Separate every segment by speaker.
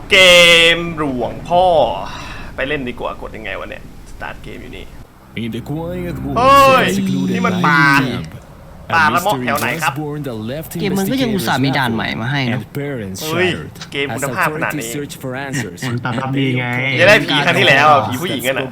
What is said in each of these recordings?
Speaker 1: เกมหลวงพ่อไปเล่นดีกว่ากดยังไงวะเนี่ยสตาร์ทเกมอยู่นี่เฮ้ยนี่มันป่าละมอกแถวไหนครับ
Speaker 2: เกมมันก็ยังอุตส่าห์มีด่านใหม่มาให้นะ
Speaker 1: เฮ้ยเกมคุณภาพขนาดนี้
Speaker 3: มันตามดีไง
Speaker 1: จะได้ผีครั้งที่แล้วผีผู้หญิงกันนะ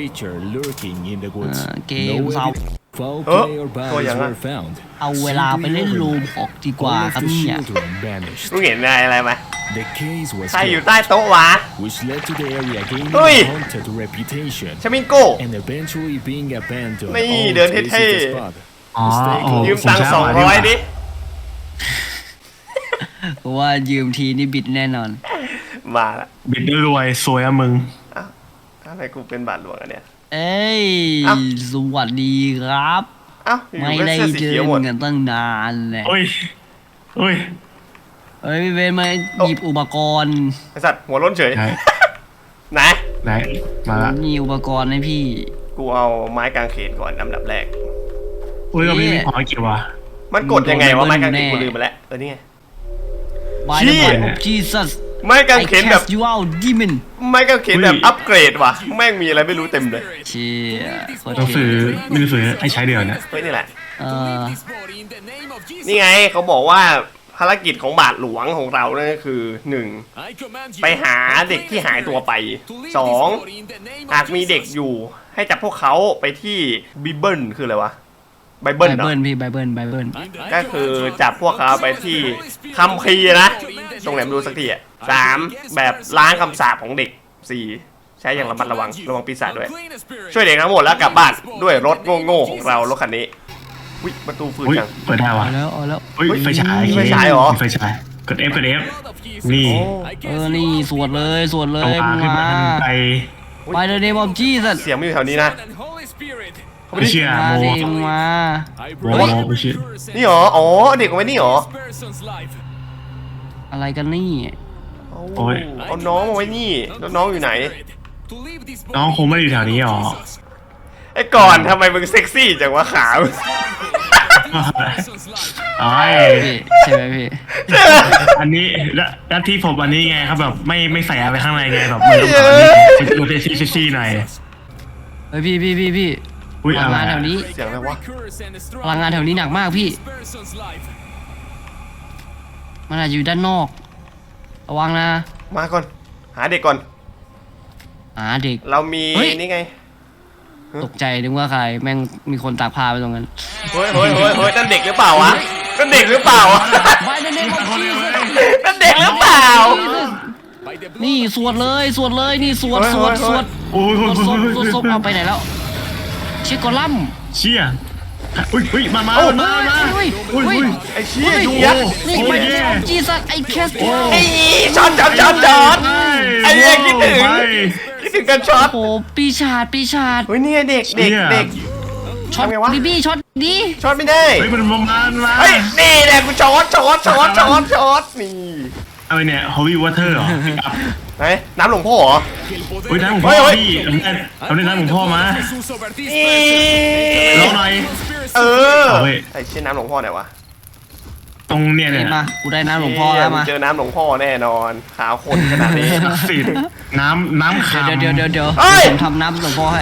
Speaker 2: เกมเศร้า
Speaker 1: ตัวอย่างนั้น
Speaker 2: เอาเวลาไปเล่นลูมออกดีกว่าครับเนี่ย
Speaker 1: รู้เห็นอะไรไหมใครอยู่ใต้โต๊ะวะเฮ้ยชามิงโก้นี่เดินเท่ๆยืมตังค์200ดิ
Speaker 2: เพราะว่ายืมทีนี่บิดแน่นอน
Speaker 1: มาละ
Speaker 3: บิดรวยสวยอะมึง
Speaker 1: ทำไมกูเป็นบาทหลวงอันเนี้ย
Speaker 2: เอ้ยสวัสดีครับไม่ได้เจอกันตั้งนานเลย
Speaker 3: เฮ้ย
Speaker 2: พี่เบนมาหยิบอุปกรณ์
Speaker 1: ไอสัตว์หัวล้นเฉยไหน
Speaker 3: มาละ
Speaker 2: มีอุปกรณ์ให้พี่
Speaker 1: กูเอาไม้กางเขนก่อนอันดับแรก
Speaker 3: เราไม่พอกี่วะ
Speaker 1: มันกดยังไงวะไม้กางเขนกูลืมไปแล้วนี่ไง
Speaker 2: ชี้Jesus
Speaker 1: ไม้กางเขนแบบไม้กางเขนแบบอัปเกรดว่ะแม่งมีอะไรไม่รู้เต็มเลย
Speaker 2: เชี่ย
Speaker 3: ต้องซื้อไม่ได้ซื้อให้ใช้เดียวนะ
Speaker 1: เฮ้ยนี่แหละนี่ไงเขาบอกว่าภารกิจของบาทหลวงของเราเนี่ยคือ 1. ไปหาเด็กที่หายตัวไป 2. หากมีเด็กอยู่ให้จับพวกเขาไปที่บิเบิลคืออะไรวะไบเบิล
Speaker 2: พี่ไบเบิล
Speaker 1: ก็คือจับพวกเขาไปที่คัมภีร์นะตรงไหนไม่รู้สักทีอ่ะ 3. แบบล้างคำสาปของเด็ก 4. ใช้อย่างระมัดระวังปีศาจด้วยช่วยเด็กทั้งหมดแล้วกลับบ้านด้วยรถโง่ๆของเรารถคันนี้วิประตูฝืนจัง
Speaker 3: เปิดได้วะ
Speaker 2: แล้ว
Speaker 3: ไฟฉาย
Speaker 1: เหรอ
Speaker 3: ไฟฉายกด F นี่
Speaker 2: นี่สวดเลยมาไปเลยเนมอมจี้สัตว์
Speaker 1: เสียงไม่อยู่แถวนี้นะ
Speaker 3: ไม่เชื่อ
Speaker 2: มา
Speaker 3: ไม่เชื่อ
Speaker 1: นี่หรออ๋อเด็กเอาไว้นี่หรอ
Speaker 2: อะไรกันนี่
Speaker 3: โอ้ย
Speaker 1: เอาน้องมาไว้นี่แล้วน้องอยู่ไหน
Speaker 3: น้องคงไม่อยู่แถวนี้หรอ
Speaker 1: ไอ้ก่อนทำไมมึงเซ็กซี่จังวะขาว
Speaker 3: ใช่ไหมพี่อันนี้แล้วที่ผมอันนี้ไงครับแบบไม่ใส่อะไรข้างในไงแบบมันต้องแบบดูเซ็กซี่หน่อย
Speaker 2: เฮ้ยพี่พลังงานแถวนี้
Speaker 1: เสียงอะไรวะ
Speaker 2: พลังงานแถวนี้หนักมากพี่มันอาจจะอยู่ด้านนอกระวังนะ
Speaker 1: มาก่อนหาเด็กก่อน
Speaker 2: หาเด็ก
Speaker 1: เรามีนี่ไง
Speaker 2: ตกใจนึกว่าใครแม่งมีคนตากผ้าไปตรงนั้น
Speaker 1: เฮ้ยนั่นเด็กหรือเปล่าวะนั่นเด็กหรือเปล่านั่นเด็กหรือเปล่า
Speaker 2: นี่สวดเลยนี่สวด
Speaker 3: โอ้ย
Speaker 2: เอาไปไหนแล้วเชี่ยกอลัม
Speaker 3: เชี่ยอุ้ยมา
Speaker 1: ไอ้เชี่ยยุงยักษ์
Speaker 2: นี่ไปจีสัตไอ้แคส
Speaker 1: ไอ้ช็อตไอ้เด็กคิดถึงกันช็อต
Speaker 2: โอ้ปีชาจ
Speaker 1: เฮ้ยนี่เด็ก
Speaker 2: ช็อตดิบี้ช็อตดี
Speaker 1: ช็อตไม่ได้
Speaker 3: เฮ้ยมันประมาณ
Speaker 1: เฮ้ยนี่แหละกูช็อตนี่
Speaker 3: อะไรเนี่ยฮอวี่วอเตอร์เหรอ
Speaker 1: ไหนน้ำหลวงพ่อเหรอ
Speaker 3: เฮ้ยน้ำหลวงพ่อพี่เอาน้ำหลวงพ่อมาลองหน่อย
Speaker 1: ไอ้เช่นน้ำหลวงพ่อไหนวะ
Speaker 3: ตรงเนี่ย
Speaker 2: มากูได้น้ำหลวงพ่อแล้วมา
Speaker 1: เจอน้ำหลวงพ่อแน่นอนขาวคนขนาดนี้
Speaker 3: สิน้ำขาว
Speaker 2: เดี๋ยวผมทำน้ำหลวงพ่อให้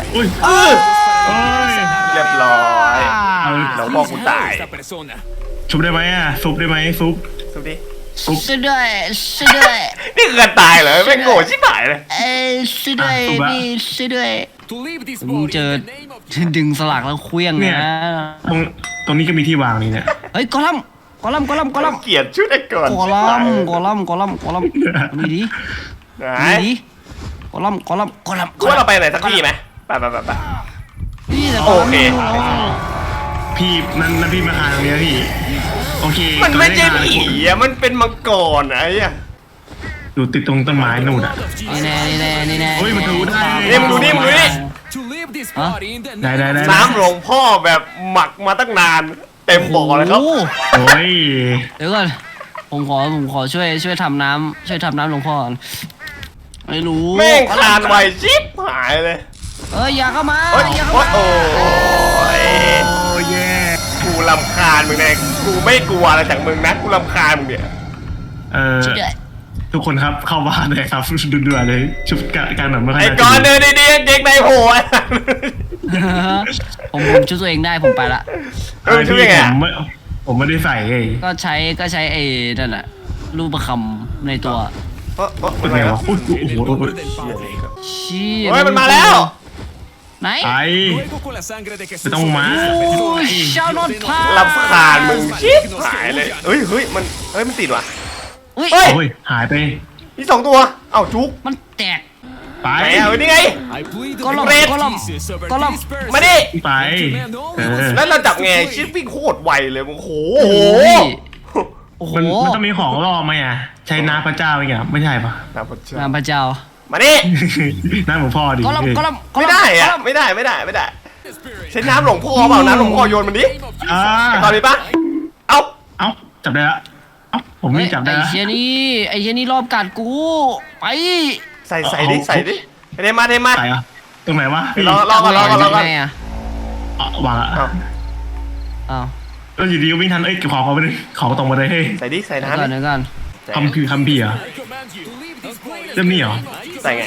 Speaker 1: เรียบร้อยหลวงพ่อกูตาย
Speaker 3: ชุบได้ไหมอ่ะซุปได้ไหมซุป
Speaker 1: ดิ
Speaker 2: ช่วยด้วย
Speaker 1: นี่คือการตายเหรอไม่โง่ชิบหายเลย
Speaker 2: ช่วยด้วยนี่ช่วยด้วยมึงเจอดึงสลักแล้วเคลี้ยงเนี่ย
Speaker 3: ตรงนี้ก็มีที่วางนี่เนี่ย
Speaker 2: เฮ้ยกอลัม
Speaker 1: เกลียดชุดไอ้ก่อน
Speaker 2: กอลัมนี่ดิกอลัม
Speaker 1: ว่าเราไปไหนสักที่ไหมไปโอเค
Speaker 3: พี่นั่นพี่มาหาตรงนี้พี่โอเค
Speaker 1: มันไม่ใช่ผีอ่ะมันเป็นมังกรไอ้อะ
Speaker 3: อยู่ติดตรงต้นไม้นู่นอ่ะ
Speaker 2: นี่แน่
Speaker 3: เฮ้ยมันดูได้
Speaker 1: มึงดูนี่
Speaker 3: ได้
Speaker 1: น้ำหลวงพ่อแบบหมักมาตั้งนานเต็มบ่อเลยครับ
Speaker 3: โอ้ย
Speaker 2: เดี๋ยวก่อนผมขอช่วยทำน้ำหลวงพ่อไม่รู้
Speaker 1: แม่งคานไวชิบหายเลย
Speaker 2: อย่าเข้ามา
Speaker 1: โอ้ยกูรำคาญมึงแน่กูไม่กลัวอะไรจากมึงนะกูรำคาญมึงเนี่ย
Speaker 3: ทุกคนครับเข้าบ้านเลยครับด่วนๆเลยชุดการแบบไม่ค่อย
Speaker 1: ไอ้
Speaker 3: น่า
Speaker 1: ก่อน
Speaker 3: จะ
Speaker 1: เดินดีๆเด็กในโผล่
Speaker 2: ผมช่วยตัวเองได้ผมไปละ
Speaker 1: เออช่วยยังไง
Speaker 3: ผมไม่ได้ใส่ไง
Speaker 2: ก็ใช้ไอ้นั่นแหละรูปประคำในตัว
Speaker 3: เป็นไงวะอุ้ยโอ้โห
Speaker 2: ชี้
Speaker 1: เฮ้ยมันมาแล้ว
Speaker 2: ไหน
Speaker 3: ไอ้ไม่ต้องมา
Speaker 2: ชาวนอตพา
Speaker 1: ลำคาญมึงชิบหายเลยเฮ้ยมันติดว่ะ
Speaker 2: อุ้ย
Speaker 1: เฮ้ย
Speaker 3: โอ้ยหายไป
Speaker 1: มี2ตัวเอ้าจุก
Speaker 2: มันแตก
Speaker 3: ไป
Speaker 1: ไหนอ่ะนี่ไง
Speaker 2: ก็ลมก็ลม
Speaker 1: มาดิ
Speaker 3: ไปเออ
Speaker 1: แล้วเราจับไงชิปวิ่งโคตรไวเลยโอ้โห
Speaker 2: โอ้โห
Speaker 3: มันต้องมีของล่อไหมอ่ะใช้น้ำพระเจ้าอย่างเงี้ยไม่ใช่ปะ
Speaker 1: น้ำพระเจ้า
Speaker 2: น้ำพระเจ้า
Speaker 1: มาดิ
Speaker 3: น้ำหลวงพ่อดิ
Speaker 2: ก็ลม
Speaker 1: ไม่ได้อะไม่ได้ใช้น้ำหลวงพ่อเปล่าน้ำหลวงพ่อโยนมันดิ
Speaker 3: อ่า
Speaker 1: ตอนนี้ปะเอ้า
Speaker 3: เอ้าจับได้ละเอ้าผมนี่จับได้
Speaker 2: ไอ้
Speaker 3: ละ
Speaker 2: เชี่ยนี่รอบกัดกูไป
Speaker 1: ใส่ดิเทมา
Speaker 3: ใส่อะตรงไหนวะ
Speaker 1: รอก่อน
Speaker 2: ไงอ่ะ
Speaker 3: วางอะ
Speaker 2: อ้าว
Speaker 3: แล้วอยู่ดีก็วิ่งทันเอ้ยเก็บของเขาไปเลยของตรงมาเลยเฮ้ย
Speaker 1: ใส่ดิใส่
Speaker 2: เดี๋ยวก่อน
Speaker 1: น้ำ
Speaker 2: เดี๋ยวก่อน
Speaker 3: คำคือคำพี่เหรอเริ่มนี่เหรอ
Speaker 1: ใส่ไง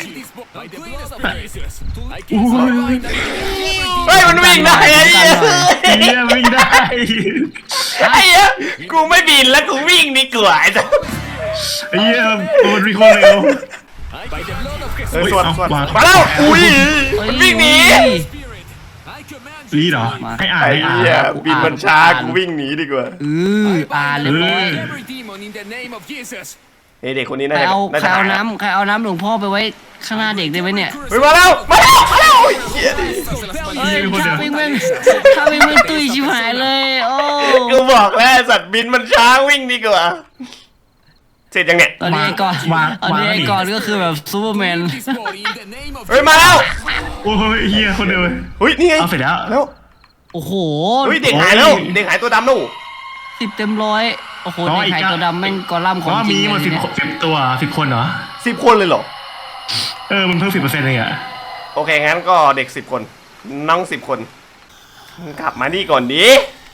Speaker 3: อู้ย
Speaker 1: เฮ้ยมันวิ่งได้ไอ้เหี้ย
Speaker 3: เฮียวิ่งได้
Speaker 1: ไอ้เหี้ยกูไม่บินแล้วกูวิ่งดีกว่าไอ้สัส
Speaker 3: ไอ้เฮียมันวิ่งโคตรเร็ว
Speaker 1: ส่วน
Speaker 3: เอาวาง
Speaker 1: มาแล้วอุ้ยมันวิ่งหนี
Speaker 3: รีดเหรอให้อ่าน
Speaker 1: ไอ้
Speaker 3: ให้อ่าน
Speaker 1: เหี้ยบินมันช้ากูวิ่งหนีดีกว่า
Speaker 2: อ่านเลย
Speaker 1: เฮ้ยเด็กคนนี้น่า
Speaker 2: ใคร
Speaker 1: จะ
Speaker 2: เอา
Speaker 1: น่า
Speaker 2: ใคร
Speaker 1: จะ
Speaker 2: เอา
Speaker 1: หาย
Speaker 2: น้ำใครเอาน้ำหลวงพ่อไปไว้ข้างหน้าเด็กได้ไหมเนี่ย
Speaker 1: เฮ้ยมาแล้วโอ้ยเหี้ยดิ
Speaker 2: เอ้ยถ้าวิ่งแม่งตุ้ยชิบหายเลยโอ้
Speaker 1: กูบอกแล้วสัตว์บินมันช้าวิ่งดีกว่าเสร็จยังเนี่ย
Speaker 2: ตอนนี้ไอ้ก่อนก็คือแบบซูเปอร์แมน
Speaker 1: เฮ้ยมาแล้ว
Speaker 3: โอ้ยเฮียคนเดียวเลย
Speaker 1: เฮ้ยนี่ไง
Speaker 3: เอาเสร็จแล้ว
Speaker 1: แล้ว
Speaker 2: โอ้โห
Speaker 1: เฮ้ยเด็กหายแล้วเด็กหายตัวดำนู่
Speaker 2: 10 เต็มร้อยโอ้โหในไข่ตัวดำแม่งกอลัมน์
Speaker 3: เพ
Speaker 2: ของ
Speaker 3: ราะว่า
Speaker 2: จริ
Speaker 3: มี
Speaker 2: ง
Speaker 3: หมด
Speaker 2: เลยเนี่ย
Speaker 3: 10 ตัว10 คนเหรอ
Speaker 1: 10 คนเลยเหรอ
Speaker 3: มันเพิ่ม10%เลยอ่ะ
Speaker 1: โอเคงั้นก็เด็ก10 คนน้อง10 คนกลับมานี่ก่อนดิ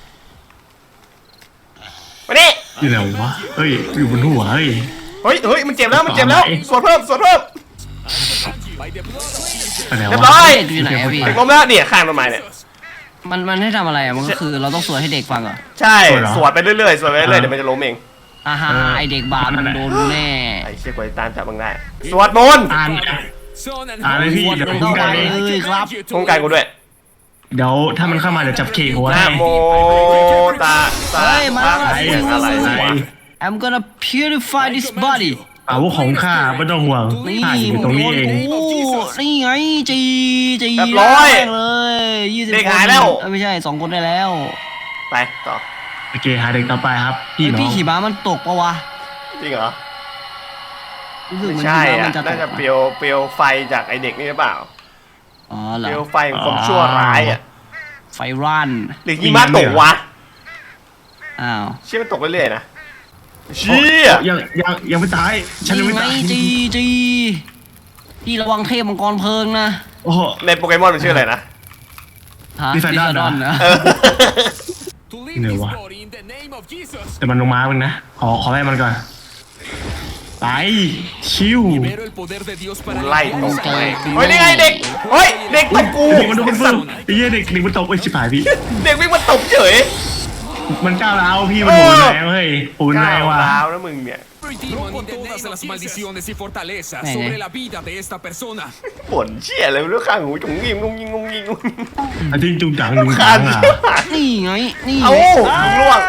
Speaker 1: มานี่
Speaker 3: อยู่ไหนวะเฮ้ยอยู่บนหัวเฮ้ย
Speaker 1: เฮ้ยมันเจ็บแล้วสวดเพิ่ม
Speaker 3: ไปไหน
Speaker 1: เรียบ
Speaker 3: วะ
Speaker 1: ร้อย
Speaker 2: เด็กอยู่ไหนอะพี่
Speaker 1: เด็กล้มแล้วเนี่ยข้างต้นไม้เนี่ย
Speaker 2: มันให้ทำอะไรอะมันก็คือเราต้องสวดให้เด็กฟังเหรอ
Speaker 1: ใช่สวดไปเรื่อยๆเดี๋ยวมันจะล้มเอง
Speaker 2: อ่าฮะไอเด็กบาปมันโดนแน่
Speaker 1: ไอ้เชี่ยกว่าจะตามจับมึงได้สวดมนต์
Speaker 3: อ่านเลยพี่เดี๋ยวผม
Speaker 2: เข้า
Speaker 3: กัน
Speaker 2: ไป
Speaker 3: เอง
Speaker 2: เลยครับ
Speaker 1: ป้องกันกูด้วย
Speaker 3: เดี๋ยวถ้ามันเข้ามาเดี๋ยวจับเคหัว
Speaker 1: นะ
Speaker 3: ให้
Speaker 1: โมตาสาอะไรวะ
Speaker 2: I'm gonna purify this body
Speaker 3: อาวุธของข้าไม่ต้องห่วง
Speaker 2: นี่
Speaker 3: ข้าอยู่ตรงนี้เอง
Speaker 2: โอ้นี่ไงจี
Speaker 1: เรียบร้อย
Speaker 2: เลย20
Speaker 1: เด็กหายแล้ว
Speaker 2: ไม่ใช่2 คนได้แล้ว
Speaker 1: ไปต่อ
Speaker 3: โอเคหาเด็กต่อไปครับพี่น้อง
Speaker 2: พี่ขี่ม้ามันตกปะวะ
Speaker 1: จริงเหรอ
Speaker 2: รู้สึกเหมือน
Speaker 1: ใช่
Speaker 2: ขี่ม้า
Speaker 1: อ่ะ
Speaker 2: มันจะต
Speaker 1: น่าก จะเปลวไฟจากไอเด็กนี่หรือเปล่า
Speaker 2: อ๋อเหร
Speaker 1: เปล
Speaker 2: อ
Speaker 1: วไฟของความชั่วร้ายอ่ะ
Speaker 2: ไฟรั่น
Speaker 1: หรือหิมะตกวะ
Speaker 2: อ้าว
Speaker 1: เชี่ยมันตกเรื่อยๆนะเชี่ย
Speaker 3: ยังไม่ตายฉันยังไม่
Speaker 2: ไง
Speaker 3: ตาย
Speaker 2: จีพี่ระวังเทพมังกรเพลิงนะ
Speaker 3: โอ้โห
Speaker 1: ในโปเกมอนมันชื่ออะไรนะ
Speaker 2: ฮะ
Speaker 3: ลิซาดอน
Speaker 2: ลิซาดอนนะ
Speaker 1: เออ
Speaker 3: เหนื่อยวะแต่มันลงมามึงนะขอไล่มันก่อนไปชิว
Speaker 1: ไล่ตกไปเฮ้ยนี่ไงเด็กเฮ้ยเด็กตบกู
Speaker 3: เด็กมันโดนฟึ่งไอ้เหี้ยเด็กมันตกไอ้ชิบหายพี่
Speaker 1: เด็กวิ่งมาตบเฉย
Speaker 3: มันก้าวร้าวพี่มันโหดแรงเฮ้ยโหดแรงว่ะ
Speaker 1: ก้าวร้าวนะมึงเนี่ย
Speaker 4: Rompo todas las maldiciones y fortalezas sobre la vida de esta persona.
Speaker 1: บ่นเชี่ยอะไรไม่รู้ข้างหูจงยิงงงยิงงงยิง
Speaker 3: อันที่จุงจังจุง
Speaker 1: ขา
Speaker 3: จั
Speaker 1: ด
Speaker 3: งอ่ะ
Speaker 1: เชี่ยหาย
Speaker 2: นี่ไงนี่
Speaker 1: เอาล่วง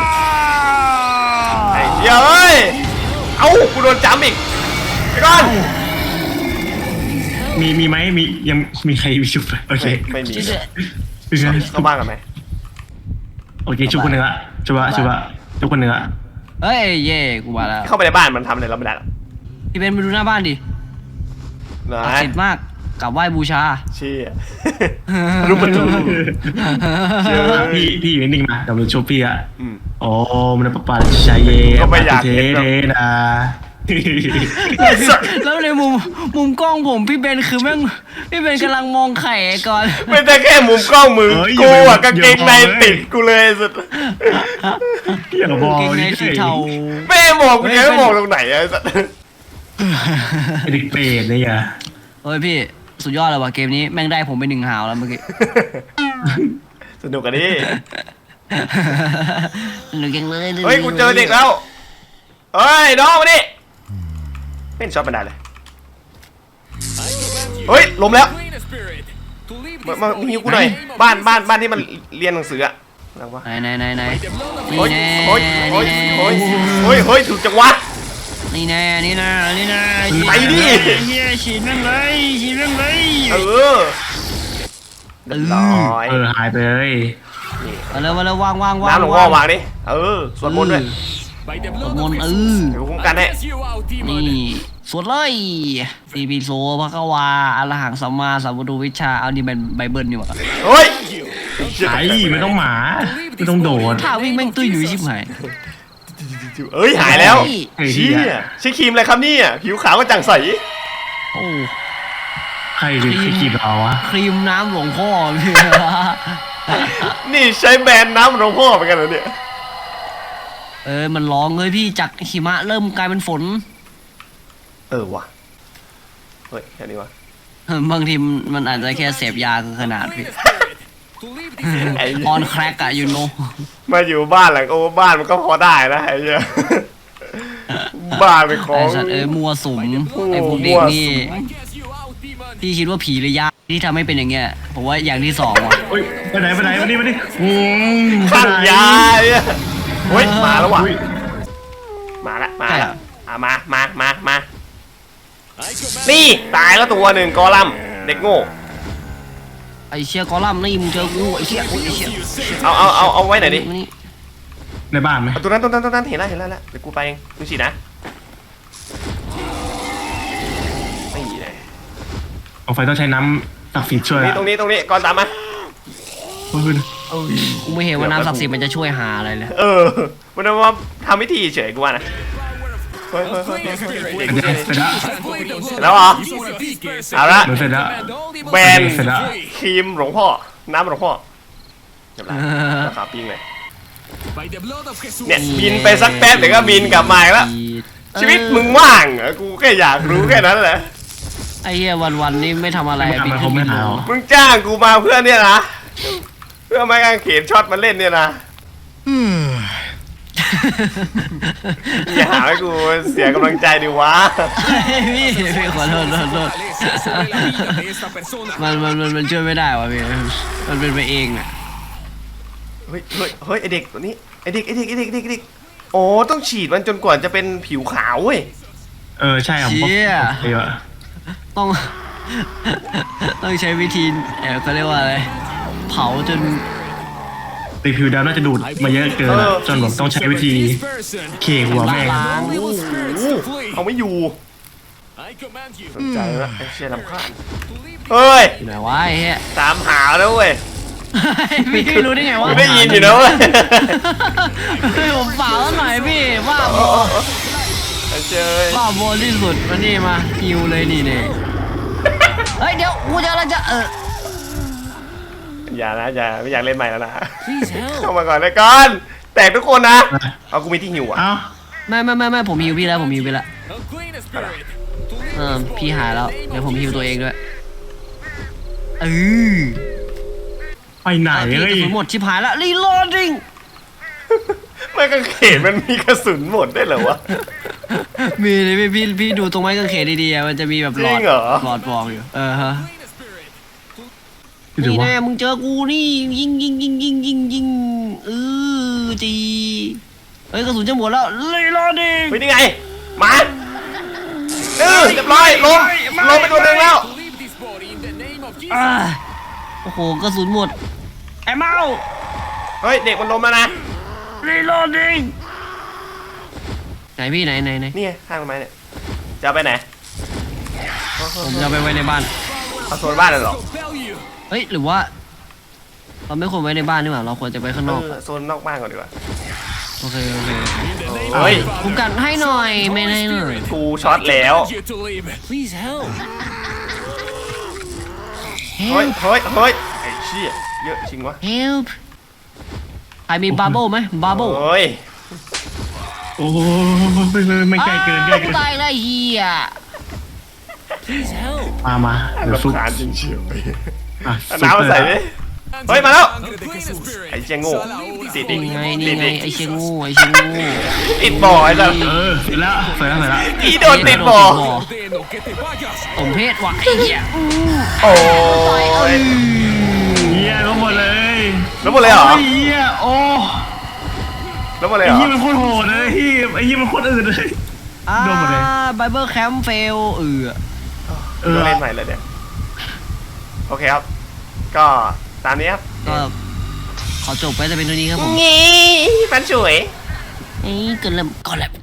Speaker 1: ไอ้เหี้ยเอ้ยเอากูโดนจ้ำอีกไอ้ก้อน
Speaker 3: มีไหมมียังมีใครมีชุบโอเค
Speaker 1: ไม่มี
Speaker 2: จิ๊ด
Speaker 1: เข้าบ้านกันไหม
Speaker 3: โอเคชุบคนหนึ่งละชุบคนหนึ่งละ
Speaker 2: เฮ้ยเย่กูมาแล้ว
Speaker 1: เข้าไปในบ้านมันทำอะไรเราไม่ได้หรอก
Speaker 2: พี่เบนไปดูหน้าบ้านดิ
Speaker 1: นะ
Speaker 2: ศักดิ์สิทธิ์มากกราบไหว้บูชา
Speaker 1: เชี่ยรูปประตู
Speaker 3: พี่อยู่นิ่งๆนะเดี๋ยวเราชุบพี่อ่ะ
Speaker 1: อืม
Speaker 3: โอ้มันปะปะชายเย่
Speaker 1: ก็ไม่อยาก
Speaker 3: เท
Speaker 1: เห็นหรอก
Speaker 3: เทนะ
Speaker 2: แล้วในมุมกล้องผมพี่เบนคือแม่งพี่เบนกำลังมองไข่ก่อน
Speaker 1: ไม่ได้แค่มุมกล้องมือกูอะกางเกงในติดกูเลยสุด
Speaker 3: อย่าบอก
Speaker 2: เกงในสีเทา
Speaker 1: ไม่มองกูยังไม่มองตรงไหนอะสัส
Speaker 3: ไอ้เด็กเปรตเลยอ่ะ
Speaker 2: เฮ้ยพี่สุดยอดเลยว่ะเกมนี้แม่งได้ผมไป1 หาวแล้วเมื่อกี้
Speaker 1: สนุกกันดิ
Speaker 2: หนูยังเลย
Speaker 1: เฮ้ยกูเจอเด็กแล้วเฮ้ยน้องมาดิเล่นช็อตบันไดเลย เฮ้ยล้มแล้ว มาหิวกูหน่อยบ้านที่มันเรียนหนังสืออะอะไรวะ
Speaker 2: ไหนนี่
Speaker 1: โอ้ย
Speaker 2: แน่
Speaker 1: โอ้ยโอ้ยโอ้ยโอ้ยโอ้ยถูกจังวะ
Speaker 2: นี่แน่นี่แน่
Speaker 1: ไปดิ
Speaker 2: เฮียฉีดแม่งเลยฉีดแม่งเลย
Speaker 1: เออเรียบร้อย
Speaker 3: หายไปเลย
Speaker 2: มาแล้ววาง
Speaker 1: น้ำหลวงพ่อวางดิเออสวดมนต์ด้วย
Speaker 2: สวดมนต์
Speaker 1: เดี๋ยวคุ้มกันให้
Speaker 2: นี่สวดเลยตีปีโซพระกวาอรหังสัมมาสัมพุทธวิชชาเอานี่เป็นไบเบิลนี่หว่า
Speaker 1: เฮ้ย
Speaker 3: ไอ้ไม่ต้องหมาไม่ต้องโดด
Speaker 2: ถ้าวิ่งแม่งตุ้ยอยู่ชิบหาย
Speaker 1: เอ้ยหายแล้ว
Speaker 3: ไอ้
Speaker 1: เชี่
Speaker 3: เหี้ย
Speaker 1: ยใช้ครีมอะไรครับเนี่ยผิวขาวก็จังใส
Speaker 2: โอ้
Speaker 3: ใครคือขีดเราวะ
Speaker 2: ครีมน้ำหลวงพ่อพี่
Speaker 1: นี่ใช้แบรนด์น้ำหลวงพ่อเหมือนกันเหรอเนี่ย
Speaker 2: มันร้องเลยพี่จากหิมะเริ่มกลายเป็นฝน
Speaker 1: เออว่ะเฮ้ยแค่นี้วะ
Speaker 2: บางทีมันอาจจะแค่เสพยาเกินขนาดพี่
Speaker 1: ไอ้
Speaker 2: ออนแครกอะยูโน
Speaker 1: มาอยู่บ้านหลังโอ้บ้านมันก็พอได้นะไอ้เหี้ยบ้านเป็นขอ
Speaker 2: ไอ้
Speaker 1: ง
Speaker 2: สัตว์มัวสุมไอ้พวกเด็กนี่พี่คิดว่าผีหรือยาที่ทำให้เป็นอย่างเงี้ยผมว่าอย่างที่สองว่ะ
Speaker 3: เฮ้ยไปไหนมาดิ
Speaker 1: ข้างยาเนี่ยเฮ้ยมาแล้วว่ะมาละอ่ะมานี่ตายแล้วตัวหนึ่งกอลัมน์เด็กโง่
Speaker 2: ไอ้เชี่ยกอลัมน์นี่มึงเจอกูไอ้เชี่ยโอ้ยไอ้เชี่ย
Speaker 1: เอาไว้ไหนดิ
Speaker 2: มานี่
Speaker 3: ในบ้านไหม
Speaker 1: เอาตัวนั้นเห็นแล้วเดี๋ยวกูไปเองดูสินะนี่เลย
Speaker 3: เอาไฟต้องใช้น้ำตักฝีช่วย
Speaker 1: ตรงนี้ก่อนตามมา
Speaker 2: กูไม่เห็นว่าน้ำศักดิ์สิทธิ์มันจะช่วยหาอะไรเลย
Speaker 1: เออมันว่าทำพิธีเฉยกูว่านะเฮ้ย
Speaker 3: เสร็จแล้ว
Speaker 1: แล้วเหรอเอาละ
Speaker 3: เสร็จแล้ว
Speaker 1: แบรนด์
Speaker 3: เสร็จแล้ว
Speaker 1: ครีมหลวงพ่อน้ำหลวงพ่อเรียบร้อยราคาปิ้งเลยเนี่ยบินไปสักแป๊บเดี๋ยวก็บินกลับมาอีกแล้วชีวิตมึงว่างเหรอกูแค่อยากรู้แค่นั้นแหละ
Speaker 2: ไอ้เหี้ยวันๆนี่ไม่ทำอะไร
Speaker 3: มันคงไม่หาว
Speaker 1: มึงจ้างกูมาเพื่อเนี่ยนะเพื่อไม้กางเขนช็อตมาเล่นเนี่ยนะอย่าหาให้กูเสียกำลังใจดิวะ
Speaker 2: พี่ขอโทษมันช่วยไม่ได้วะพี่มันเป็นไปเองอ่ะ
Speaker 1: เฮ้ยไอเด็กตัวนี้ไอเด็กโอ้ต้องฉีดมันจนกว่าจะเป็นผิวขาวเว้ย
Speaker 3: ใช่ผมเดี๋ยว
Speaker 2: ต้องใช้วิธีเขาเรียกว่าอะไรเผาจน
Speaker 3: ตีผิวดำน่าจะดูดมาเยอะเกินจนผมต้องใช้วิธีเคหัวแม่ง
Speaker 2: ล้าง
Speaker 1: เอาไม่อยู่สนใจแล้วไอ้เชี่ยลำคาญเฮ้ย
Speaker 2: อยู่ไหนวะไอ้เหี้ย
Speaker 1: ตามหาแล้วเว้ย
Speaker 2: พี่รู้ได้ไงวะ
Speaker 1: กูได้ยินอยู่นะเว้ย
Speaker 2: ผมเปล่าหน่อยพี่ว่าบอ
Speaker 1: ไอ้เจย
Speaker 2: ว่าบอที่สุดมานี่มาฮิวเลยนี่เนี่ยเฮ้ยเดี๋ยวกูจะ
Speaker 1: อย่านะอย่าไม่อยากเล่นใหม่แล้วนะเข้ามาก่อนเลยก่อนแตกทุกคนนะเอากูมีที่หิวอ่ะ
Speaker 3: เอ้า
Speaker 2: ไม่ผมฮิวพี่แล้วผมฮิวไปแล้วพี่หายแล้วเดี๋ยวผมฮิวตัวเองด้วย
Speaker 3: ไปไหน
Speaker 2: พี่ก
Speaker 3: เฮ้ย
Speaker 2: ระสุนหมดชิบหายแล้วรีโหลดดิ้ง
Speaker 1: ไม่กางเขนมันมีกระสุนหมดได้เหรอวะ
Speaker 2: มีเลยพี่ดูตรงไม้กางเขนดีๆมันจะมีแบบหลอด
Speaker 1: จริงเหรอ
Speaker 2: บอกอยู่ฮะ
Speaker 3: หรือ
Speaker 2: นี่
Speaker 3: ว่า
Speaker 2: แน่มึงเจอกูนี่ยิงจีเฮ้ยกระสุนจะหมดแล้วรีโหลดดิ้ง
Speaker 1: เฮ้ยนี่ไงมาเรียบร้อยลงไปตัวหนึ่งแล้ว
Speaker 2: โอ้โหกระสุนหมดไอ้เมา
Speaker 1: เฮ้ยเด็กมันล้มแล้วนะ
Speaker 2: รีโหลดดิ้งไหนพี่ไหน
Speaker 1: นี่ไงข้างต้นไม้เนี่ยจะเอาไปไหน
Speaker 2: ผมจะเอาไปไว้ในบ้าน
Speaker 1: เอาโซนบ้านเลยเหรอ
Speaker 2: เฮ้ยหรือว่าเราไม่ควรไว้ในบ้านนี่หว่าเราควรจะไปข้างนอก
Speaker 1: โซนนอกบ้านก่อนดีกว่า
Speaker 2: โอเค
Speaker 1: เฮ้ย
Speaker 2: คุ้มกันให้หน่อยไม่ให้หน่อย
Speaker 1: กูช็อตแล้ว
Speaker 4: Please help.
Speaker 1: เฮ้ยไอ้เชี่ยเยอะจริงวะ
Speaker 2: help ใครมีบาร์โบไหมบาร์โบ
Speaker 1: เฮ้ย
Speaker 3: โอ้ไม่ใกล้เกินใกล้เกิน
Speaker 2: ตายแล้วเฮีย
Speaker 3: มาเดี๋ยว
Speaker 1: รำ
Speaker 3: ซุป
Speaker 1: คาญจริงเชียว
Speaker 3: อ่ะ
Speaker 1: เอาน้ำมาใส่ดิ เฮ้ยมาแล้ว ไอ้เชี่ยโง่ติดอี
Speaker 2: นี่
Speaker 1: ก
Speaker 2: ไง
Speaker 1: ติ
Speaker 2: นี่
Speaker 1: ด
Speaker 2: ไง
Speaker 1: อีก
Speaker 2: ไอเชียงูไอเชียงู
Speaker 1: ติดบ่อไอ้สัส
Speaker 3: เสร็จแล้ว
Speaker 1: อีโดนติดบ่อ
Speaker 4: Ordeno che te vayas.
Speaker 2: สมเพศว่ะไอ้เหี้ย
Speaker 1: โอ้ย
Speaker 3: เฮียลงหมดเลย
Speaker 1: แล้วหมดเลยเหรอ
Speaker 3: เฮียโอ้
Speaker 1: แล้วหมดเลย
Speaker 3: ไอ้
Speaker 1: เหรอ
Speaker 3: เฮียมันโคตรโหดเลยไอ้เฮียมันโคตรอื่นเลย โดนหมดเลย
Speaker 2: ไบเบิลแคมป์เฟล
Speaker 1: ต้องเล่นใหม่เลยเนี่ย โอเคครับ ก็ตามนี้ครับ
Speaker 2: ก็ขอจบไปจะเป็นตัวนี้ครับผม
Speaker 1: งี้มันสวย
Speaker 2: เอ้ยเกินแล้วก็แล้ว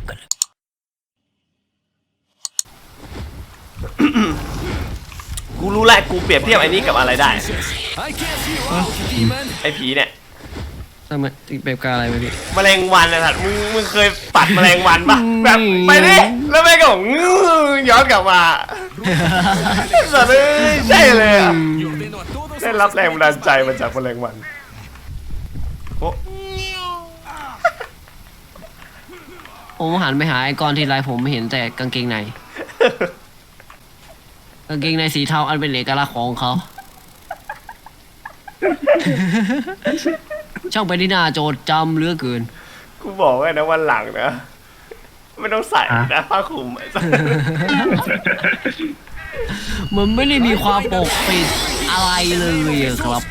Speaker 1: กูรู้แหละกูเปรียบเทียบไอ้นี้กับอะไรได้
Speaker 4: I guess you out, demon.
Speaker 1: ไอ้ผีเนี่ย
Speaker 2: ทำไมติดแบบกาอะไรไปพี่
Speaker 1: แมลงวันนะท่านมึงเคยปัดแมลงวันปะแบบไปดิแล้วแม่งก็บอกย้อนกลับมาสัตว์เลยใช่เลยอะ
Speaker 4: Y ordeno a todos
Speaker 1: ได้รับแรงบันดาลใจมาจากแมลงวันโอ้
Speaker 2: ผมหันไปหาไอคอนทีไรผมไม่เห็นแต่กางเกงในกางเกงในสีเทาอันเป็นเอกลักษณ์ของเขา ช่างเป็นที่น่าโจดจำเหลือเกิน
Speaker 1: กูบอกไว้นะวันหลังนะไม่ต้องใส่นะผ้าคลุมไอ้สัส
Speaker 2: มันไม่ได้มีความปกปิดอะไรเลยอะครับ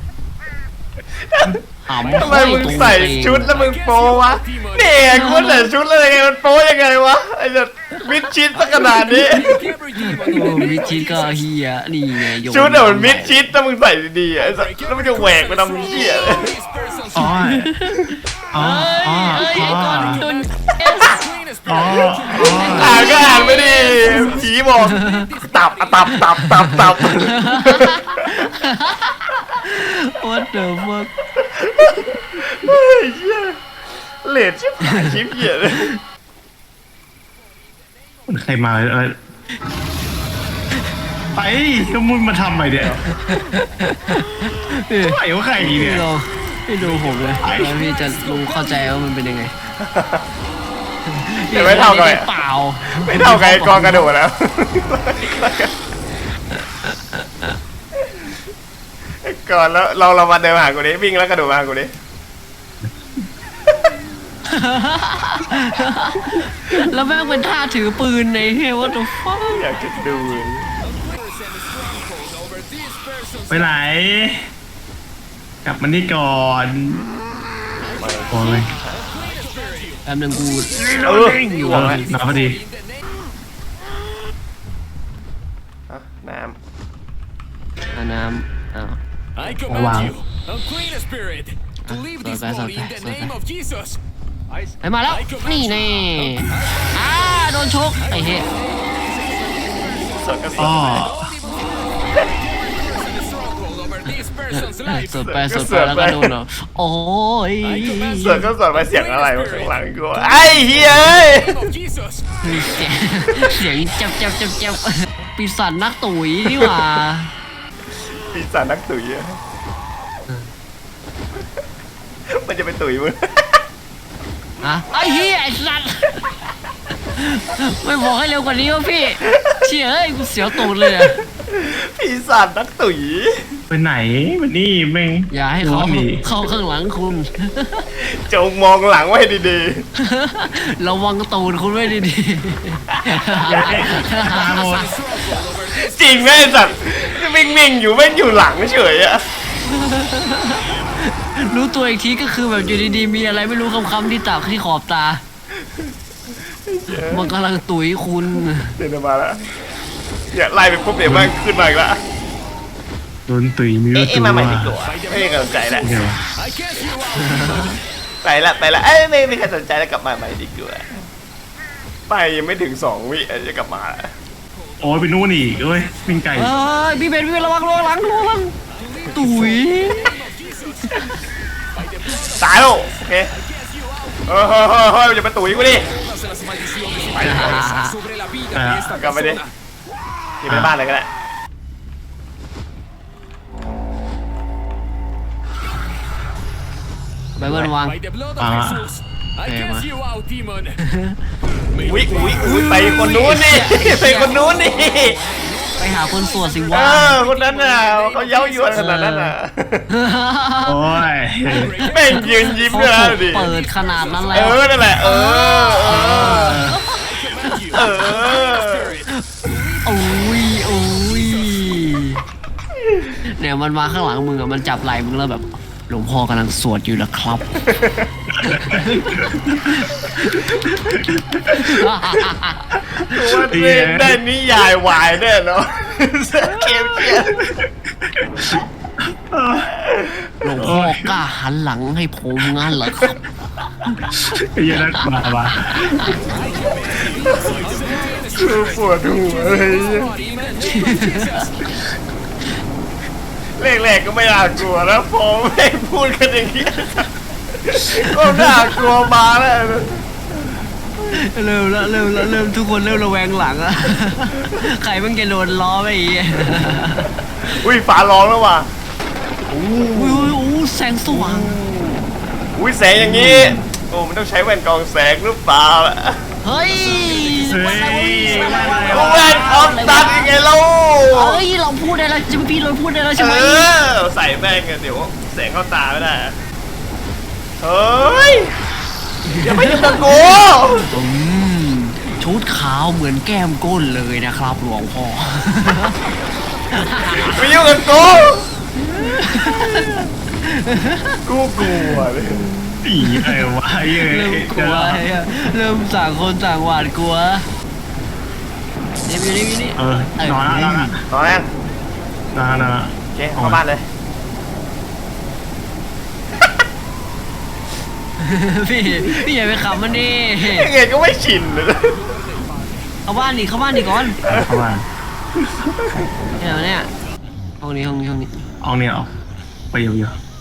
Speaker 2: หำ
Speaker 1: ทำไมมึงใส่ชุดแล้วมึงโปวะเนี่ยกูใส่ชุดแล้วยังไงมันโปยังไงวะไอ้สัสมิดชิดสักขนาดนี้
Speaker 4: every demon
Speaker 2: โอ้มิดชิดก็เฮียนี่ไงโยน
Speaker 1: ชุดอะมันมิดชิดถ้ามึงใส่ดีๆไอ้สัสแล้วมันจะแหวกไปทำเหี้ยเลย
Speaker 4: This person's
Speaker 3: อ๋ออ๋ออ๋อ
Speaker 2: เอ้ยไอคอนโดน
Speaker 4: clean as
Speaker 3: อ๋อ
Speaker 1: อ่านก็อ่านไม่ดีผีบอกตับอะตับ
Speaker 2: What the fuck
Speaker 1: เฮ้ยเหี้ยเลดชิบหายชิบเหี้ยเลย
Speaker 3: ใครมาอะไรไปก็มุนมาทำใหม่เดี๋ยวไหวว่าใครเนี่
Speaker 2: พี่
Speaker 3: ย
Speaker 2: ลองพี่ดูผมเลยแล้วพี่จะรู้เข้าใจว่ามันเป็นยังไง
Speaker 1: แต่ไม่เท่ากัน
Speaker 2: เปล่า
Speaker 1: ไม่เท่ากับไอ้กองกระโดดแล้วก่อนแล้วเรามาเดินมาหากูดิวิ่งแล้วกระโดดมาหากูดิ
Speaker 2: แล้วแม่งเป็นท่าถือปืนในเฮ้ยว่าตัวฟ้า
Speaker 1: อยากจะดู
Speaker 4: over this person's
Speaker 3: ไปไหน กลับมานี่ก่อนโอ้ย
Speaker 2: แป๊บนึงกู
Speaker 1: อยู่วะ
Speaker 3: หนาพอดี
Speaker 1: น้ำ
Speaker 2: น้ำอ้าว
Speaker 4: I
Speaker 3: Wow.
Speaker 4: command you, unclean spirit, to leave this
Speaker 2: sorry,
Speaker 4: body in the
Speaker 2: sorry.
Speaker 4: name of Jesus.
Speaker 2: ไอ้มาแล้วนี่แน่โดนชกไอ้เฮ้ย
Speaker 1: สดก็ส
Speaker 3: อ๋
Speaker 1: ด
Speaker 3: อ
Speaker 4: Stronghold over this person's life.
Speaker 2: สดไปแล้วก็โดนเหรอโอ้ย
Speaker 1: สดก็สดไปเสียงอะไรวะข้างหลังกูไอ้เฮ้ย
Speaker 4: Name of Jesus.
Speaker 2: เสียงจับปีศาจนักตุ๋ยนี่หว่า
Speaker 1: ปีศาจนักตุ๋ยอะมันจะเป็นตุ๋ยมึง
Speaker 2: อะไอ้เหี้ยไอ้สัตว์ไม่บอกให้เร็วกว่านี้วะพี่เชี่ยเอ้ยกูเสียวตูดเลยอะ
Speaker 1: ปีศาจนักตุ๋ย
Speaker 3: ไปไหนวันนี้แม่ง
Speaker 2: อย่าให้เขา
Speaker 3: ร้อนดิ
Speaker 2: เข้าข้างหลังคุณ
Speaker 1: จงมองหลังไว้ดี
Speaker 2: ระวังตูดคุณไว้ดี
Speaker 3: ตาหมด
Speaker 1: ๆจริงไหมไอ้สัตว์วิ่งอยู่แม่งอยู่หลังเฉยอะ
Speaker 2: ๆรู้ตัวอีกทีก็คือแบบอยู่ดีๆมีอะไรไม่รู้คำๆที่ตาที่ขอบตา มันกำลังตุ๋ยคุณ
Speaker 1: เดินมาแล้วเนี่ยไล่ไปปุ๊บเดี๋ยวมันขึ้นมาอีกแล้ว
Speaker 3: โดนตุ๋ยมี
Speaker 1: เอ๊ะ
Speaker 3: ตัว
Speaker 1: มาใหม่ดีกว่าไม่มีใครสนใจแล้ว
Speaker 3: เดี๋ยว
Speaker 4: I guess you out.
Speaker 1: ไปละเอ้ยไม่มีใครสนใจแล้วกลับมาใหม่ดีกว่าไปยังไม่ถึง2 วิจะกลับมาแล้ว
Speaker 3: โอ้ยไปนู่นอีกเอ้ยวิ่งไก่
Speaker 2: เอ้ยพี่เบนระวังระวังตุ๋ย
Speaker 1: ตายแล้วโอเคเฮ้ยอย่ามาตุ๋ยกูดิ
Speaker 4: Todas las maldiciones y perversas sobre la vida de esta
Speaker 1: กลับไปดิ
Speaker 4: persona.
Speaker 1: ที่ไปบ้านเลยก็ได้
Speaker 2: ไปเบิร์นวาง
Speaker 4: By the blood of
Speaker 3: Ah.
Speaker 4: Jesus, I guess you out, demon.
Speaker 1: อุ้ยไปคนนู้นนี่ไปคนนู้นนี่
Speaker 2: ไปหาคนสวดสิ
Speaker 1: เอ
Speaker 2: วะ
Speaker 1: อคนนั้นน่ะเขาเย้ายวนขนาดนั้นน่ะ
Speaker 3: โอ้ย
Speaker 1: แม่งยืนยิ้ม
Speaker 2: เขา
Speaker 1: ด้วยนะ
Speaker 2: ถูก
Speaker 1: ดิ
Speaker 2: เปิดขนาดนั้นแล้
Speaker 1: เอ
Speaker 2: ว
Speaker 1: อนั่นแหละเออ
Speaker 2: โอ้ยเนี่ยมันมาข้างหลังมึงอะมันจับไหล่มึงแล้วแบบหลวงพ่อกำลังสวดอยู่นะครับ
Speaker 1: ตัวเล่นได้นิยายวายแน่เนาะเกมเชียร์
Speaker 2: หลวงพ่อกล้าหันหลังให้ผมงั้นเหรอครับ
Speaker 3: ไอ้เหี้ยนั่นมา
Speaker 1: คือปวดหัวเลยแรกๆก็ไม่น่ากลัวนะพอไม่พูดกันอย่างนี้ก็น่ากลัวมาแล้ว
Speaker 2: เริ่มทุกคนเริ่มระแวงหลังอะ ใครมันจะโดนล้อไปอีก
Speaker 1: อุ้ยฝาร้องแล้วว่ะ
Speaker 2: แสงสว่าง
Speaker 1: อุ้ยแสงอย่างนี้โอ้มันต้องใช้แว่นกรองแสงหรือเปล่าล่ะ
Speaker 2: เฮ้ย
Speaker 1: แว่นออฟตัดยังไงเล่า
Speaker 2: เฮ้ยเราพูดได้แล้วจิมพี่เราพูดได้แล้วใช่ไหม
Speaker 1: ใส่แว่นกันเดี๋ยวแสงเข้าตาไม่ได้เฮ้ยอย่าไปยุ่งกับกู
Speaker 2: ชุดขาวเหมือนแก้มก้นเลยนะครับหลวงพ่อ
Speaker 1: ไม่ยุ่งกับกูกูกลัวเลย
Speaker 3: อีไอ้วะไอ้เหี้ย
Speaker 2: เริ่มกลัวเริ่มต่างคนต่างหวาดกลัวนี่
Speaker 3: นอนแล้ว
Speaker 1: ตอนแรก
Speaker 3: นอน
Speaker 1: โอเคเข้าบ้านเลย
Speaker 2: พี่อย่าไปขำมันดิ
Speaker 1: ยังไงก็ไม่ชินเลย
Speaker 2: เข้าบ้านดิก่อน
Speaker 3: เข้ามา
Speaker 2: เนี่ยห้องนี้
Speaker 3: เอาเนี่ยเอาไปอยู่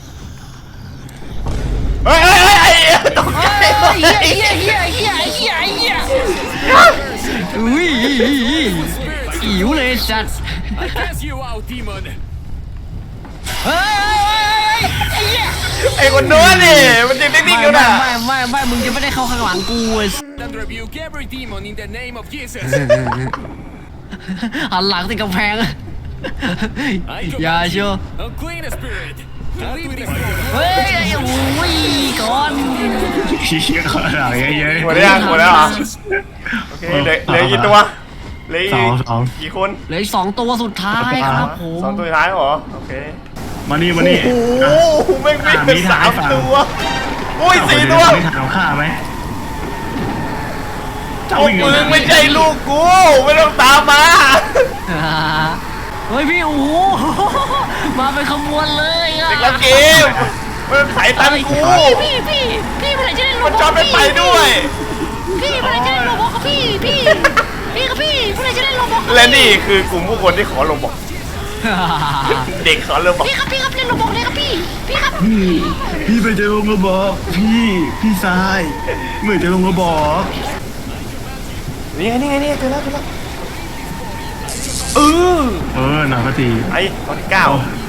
Speaker 1: เฮ้ยตกใจ
Speaker 2: เฮียอุ้ยอิ๋วเลยสัตว์
Speaker 4: I guess you out, demon.
Speaker 2: เฮ้ยไอ้เหี้ย
Speaker 1: ไอ้คนนู้นนี่มันยังนิ่งๆอยู่นะ
Speaker 2: ไม่มึงจะไม่ได้เข้าข้างหลังกู
Speaker 4: And rebuke every demon in the name of Jesus.
Speaker 2: หันหลังติดกำแพง อย่าเชียว
Speaker 4: Unclean spirit. Leave this room.
Speaker 2: เฮ้ยโอ้ยก่อน
Speaker 3: เชี่ยขนาดเยอะ
Speaker 1: หมดแล้วเหรอโอเคเหลือกี่ตัวเหลือกี่คน
Speaker 2: เหลืออีก2 ตัวสุดท้ายครับผม
Speaker 1: 2 ตัวท้ายเหรอโอเค
Speaker 3: มานี่
Speaker 1: โอ้โหไม่เป็น3 ตัวอุ้ย4 ตัว
Speaker 3: ไม่ถามข้าไหม
Speaker 1: พวกมึงไม่ใช่ลูกกูไม่ต้องตามมา
Speaker 2: เฮ้ยพี่โอ้โหมาเป็นขบวนเลยอ่ะ
Speaker 1: เด็กละเกมมันไถตันกู
Speaker 2: พี่เมื่อไหร่จะได้ลง
Speaker 1: มันจอดไปด้วย
Speaker 2: พี่เมื่อไหร่จะได้ลงบอกกับพี่เมื่อไหร่จะได้ลงบอก
Speaker 1: และนี่คือกลุ่มผู้คนที่ขอลงบอกเด็กขอลงบอก
Speaker 2: พี่ครับเล่นลงบอกเลยครับพี่ครับ
Speaker 3: พี่ไปเจอลงกระบอกพี่ชายเมื่อเจอลงกระบอก
Speaker 1: นี่ไงเจอแล้ว
Speaker 3: หนักที
Speaker 1: ไอ้ตอนที่9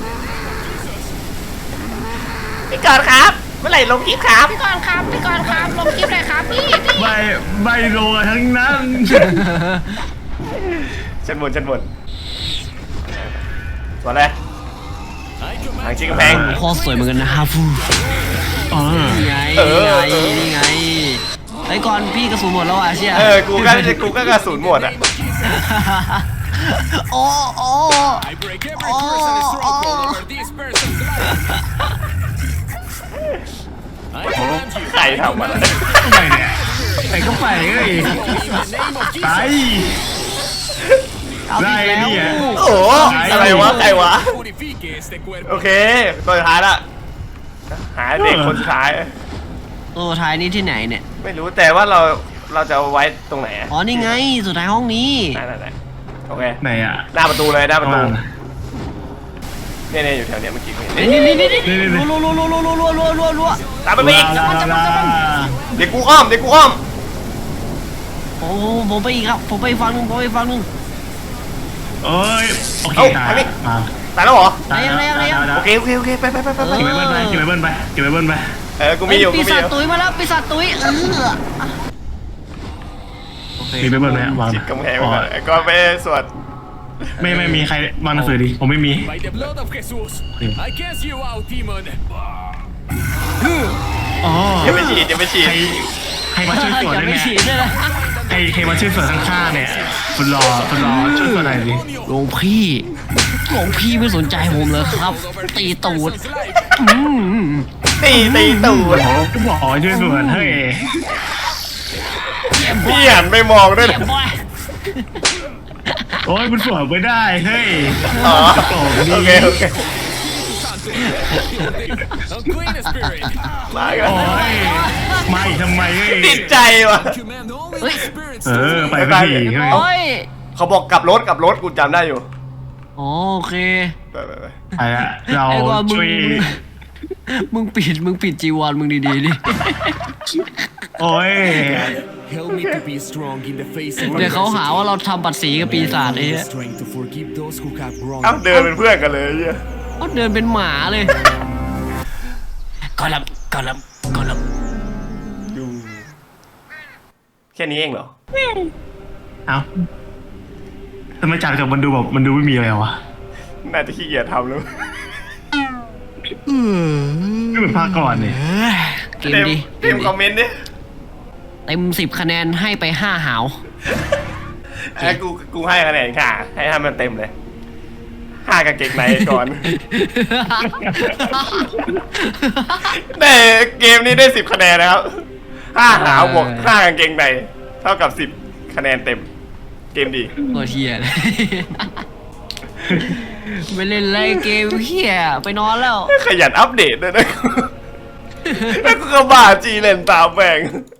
Speaker 1: พี่กอนครับเมื่อไหร่ลงคลิปครับ
Speaker 2: พี่ก่อนครับลงคลิปเลยครับพี่
Speaker 3: ใบโลทั้งนั้น
Speaker 1: ชั้นบนตัวอะไรทางชิงกำแพง
Speaker 2: โคตรสวยเหมือนกันนะฮะฟูนี่ไงไอ้ก่อนพี่กระสุนหมดแล้วอ่ะเชี่ย
Speaker 1: กูก็กระสุนหมดอ่ะ
Speaker 2: โอ้
Speaker 4: I break every curse and stronghold over this person's life. I command you.
Speaker 1: ใครทำมัน
Speaker 3: ไปเนี่ยไปก็ไปเลย
Speaker 4: In the name of
Speaker 3: ไป
Speaker 4: Jesus.
Speaker 3: ได้เนี่ย
Speaker 1: โอ้อะไรวะใครวะ
Speaker 4: Purifique este cuerpo.
Speaker 1: โอเคตัวสุดท้ายละหาเด็กคนสุดท้าย
Speaker 2: ตัวท้ายนี้ที่ไหนเนี่ย
Speaker 1: ไม่รู้แต่ว่าเราจะเอาไว้ตรงไหน
Speaker 2: อ๋อนี่ไงสุดท้ายห้องนี้
Speaker 1: ไหนโอเค
Speaker 3: ไหนอ่ะ
Speaker 1: หน้าประตูเลยหน้าประตูเนี่ยอยู่แถวเนี้ยเมื่อกี้
Speaker 2: นี่
Speaker 3: นี่
Speaker 2: รัว
Speaker 1: ตามไปอีก เด็กกูอ้อม
Speaker 2: โอ้ผมไปอีกครับผมไปฟังนึง
Speaker 3: โอ้ยโอเคตาย
Speaker 1: ตายแล้วเหรอ
Speaker 2: อะไร
Speaker 1: โอเคไป
Speaker 3: เก็บไว้เบิ้ลไป
Speaker 1: กูมีอยู่
Speaker 2: ปี
Speaker 1: กูมี
Speaker 2: ศา
Speaker 1: อ
Speaker 2: จ
Speaker 1: ยู่
Speaker 2: ตุ้ยมาแล้วปีศาจตุ้ยโอเค
Speaker 3: มีไปเบิร์นไหมวาง
Speaker 1: จิตกำแพงไว้ก่อนก็ไปสวด
Speaker 3: ไม่มีใครวางหนังสือดิผมไม่มี
Speaker 4: By the blood of Jesus, I cast you out, demon.
Speaker 3: อ๋อ
Speaker 1: อย่าไปฉีดอย่าไปฉีด
Speaker 3: ใครมาช่วยสวด
Speaker 2: อย่า
Speaker 3: ได้
Speaker 2: ไป
Speaker 3: ไหม
Speaker 2: ฉีดด้วยนะ
Speaker 3: ใครมาช่วยสวดข้างๆเนี่ยคุณรอช่วยสวดหน่อยดิ
Speaker 2: หลวงพี่ไม่สนใจผมเลยครับ ตีตูดอืม
Speaker 1: ตีตูด
Speaker 3: โอ้ก็บอกช่วยสวดเฮ้ย
Speaker 1: พี่หันไปมองด้วย
Speaker 2: เจ็
Speaker 1: นะ
Speaker 2: บบ่อย
Speaker 3: โอ้ยคุณสวดไม่ได้เฮ้ย
Speaker 1: อ๋อ
Speaker 3: โอ้โห
Speaker 1: โอเคโอเค
Speaker 4: Unclean spirit.
Speaker 1: มากัน
Speaker 3: โอ้ยมาอีกทำไมเฮ้ย
Speaker 1: ติดใจว่ะ
Speaker 4: Command only the spirits
Speaker 3: เอ
Speaker 4: to
Speaker 3: อ
Speaker 4: leave.
Speaker 3: ไปพี่เฮ้ย
Speaker 2: โอ้ย
Speaker 1: เขาบอกกลับรถกูจำได้อยู่
Speaker 2: อ๋อโอเค
Speaker 1: ไป
Speaker 3: ไปละเรา
Speaker 2: ไอ้ว่ามึง
Speaker 3: ช่วย
Speaker 2: มึงปิดจีวรมึงดีๆดิ
Speaker 3: โอ้ย
Speaker 4: Help me to be strong in the face of
Speaker 2: เดี๋ยวเขาหาว่าเราทำบัตรสีกับปีศาจไอ้
Speaker 4: the
Speaker 2: เหี้ย
Speaker 4: strength to forgive those who have wronged
Speaker 1: เอ้า
Speaker 4: me.
Speaker 1: เดินเป็นเพื่อนกันเลยไอ้เหี้ย
Speaker 2: เขาเดินเป็นหมาเลยกอลับ
Speaker 1: แค่นี้เองเหรอ
Speaker 3: เอ้าทำไมจากมันดูแบบมันดูไม่มีอะไรวะ
Speaker 1: น่าจะขี้เกียจทำแล้ว
Speaker 3: ไม่เหมือนภาคก่อนเนี่ย
Speaker 2: เกมดี
Speaker 1: เต็มคอมเมนต์ดิ
Speaker 2: เต็ม10 คะแนนให้ไป5 หาว
Speaker 1: ไอ้กูให้คะแนนค่ะ ให้มันเต็มเลย5กางเกงในก่อน แต่เกมนี้ได้10คะแนนนะครับ5หาวบวก5กางเกงในเท่ากับ10คะแนนเต็ม เกมดี
Speaker 2: ตัวเฮียเลย ไม่เล่นไรเกมเฮียไปนอนแล้ว
Speaker 1: ขยันอัปเดตด้วยนะ แล้วกูก็บ้าจีเล่นตามแม่ง